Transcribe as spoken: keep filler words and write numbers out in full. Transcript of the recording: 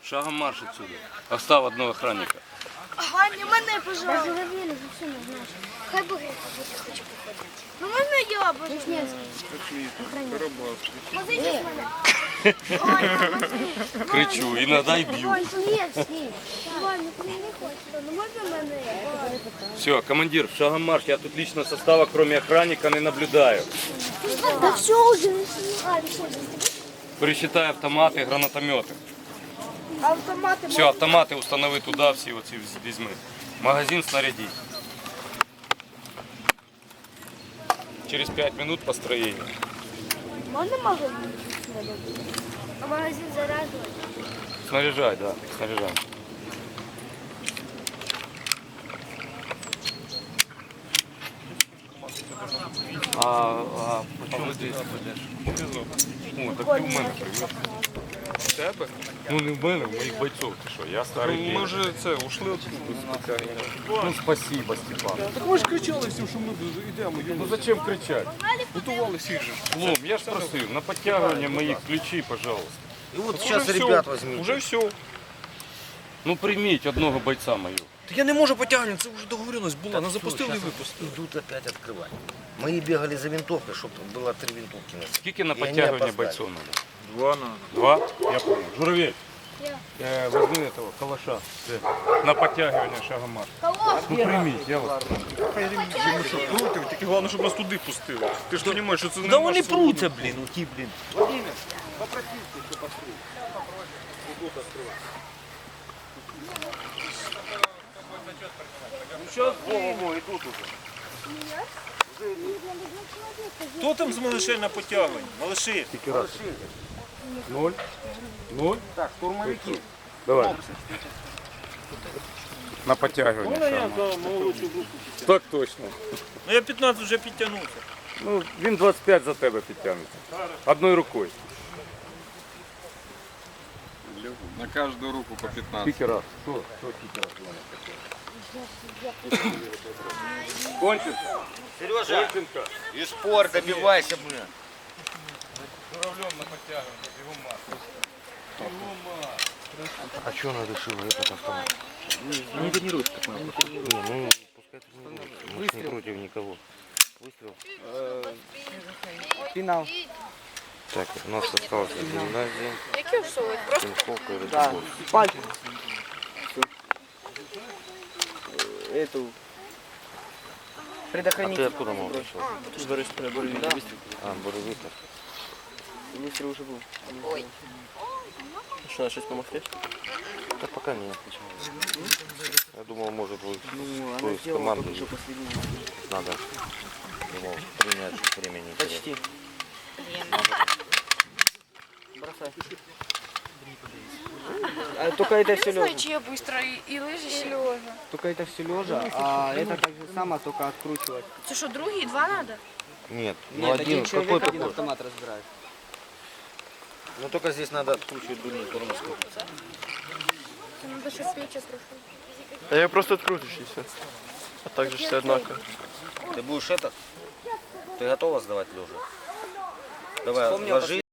Шагом марш отсюда. Остав одного охранника. Ваня, мене, пожалуйста. Да, журавель уже все не знаешь. Хай бы я хочу походить. Ну можно я, пожалуйста? Позовите мене. Кричу, іноді й б'ю. Вань, нет, с ней. Ваня, ты не хочешь. Ну можно мене? Все, командир, шагом марш. Я тут личного состава, кроме охранника, не наблюдаю. Да все уже, не снимали. Пересчитай автомати, гранатомети. Автоматы. Все, автомати установи туди, всі оці візьми. Магазин снарядіть. Через пять минут построение. Можно магазин? А магазин заряжать? Снаряжай, да, снаряжай. А, а почему ти? О, так ти в мене привез. В тебе? Ну не в мене, в моїх бойців. Ти що, я старий. Ну, ми вже це, ушли оттуда спеціально. Ну спасибо, Степан. Так ми ж кричали всім, що ми йдемо. Ну зачем кричать? Готували всіх же. Лом, я ж просив, на підтягування моїх ключі, пожалуйста. И вот Уже сейчас все, ребят возьмите. Уже все. Ну прийміть одного бойця мою. Так я не можу потягнути, це вже договоренность була. Нас запустили і Сейчас випустили. идут опять открывать. Мы бегали за винтовкой, чтобы было три винтовки. на Скільки на І вони підтягування опоздали. бойців надо? Два надо. Два? Я понял. Журавель, э, возьми этого калаша. На подтягивание шагом марш. Ну приміть, я вас прошу. Ми що, проти? Тільки головне, щоб нас туди пустили. Ти ж розумієш, що це не Да наш вони свобода. пруться, блін, у ті, блін. Хто там з малышей на потягуванні? Малыші. Ноль. Ноль. Так, штурмовики. Давай. На подтягивание. шагом марш. Так точно. Ну я п'ятнадцять вже підтягнувся. Ну, він двадцять п'ять за тебе підтягнеться. Одною рукою. На каждую руку по пятнадцать. Скільки раз? Хто? Хто скільки раз? Кончится. Сережа, Конченко. и спор добивайся, блин. Журавлем на подтягивание. Бегом марш. А что она решила этот автомат? Не тренируйся, как мы. Не, ну пускай тренируется. Мы ж не против никого. Выстрел. Финал. Так, у нас осталось гимназия, Які усовують? Просто Тиньковка и Да, Ратибор. пальцы. Эту. А Предохранитель. ты откуда мог пришел? Борис, Борис, да. А, Боровитов. Выстрел уже был. Ой. Что, надо что-то помогти? Да пока нет. Я думал, может вы Ну, кто она из сделала команды только что последний. надо. Думал, принять времени. не терять. Почти. Бросай. А, только это все лежа. чи я быстро і, і лежиш, і лежа. Только это все лежа, а это так же само, только откручивать. Це що, другий, два надо? Нет, ну Нет, один, один человек, какой один такой? автомат разбирает. Ну только здесь надо откручивать дульную коронку. Це надо, щоб Петя прийшов. А я просто открутишь и все. А так же все однаково. Ты будешь этот? Ты готова сдавать лежа? Давай, Вспомнил ложи.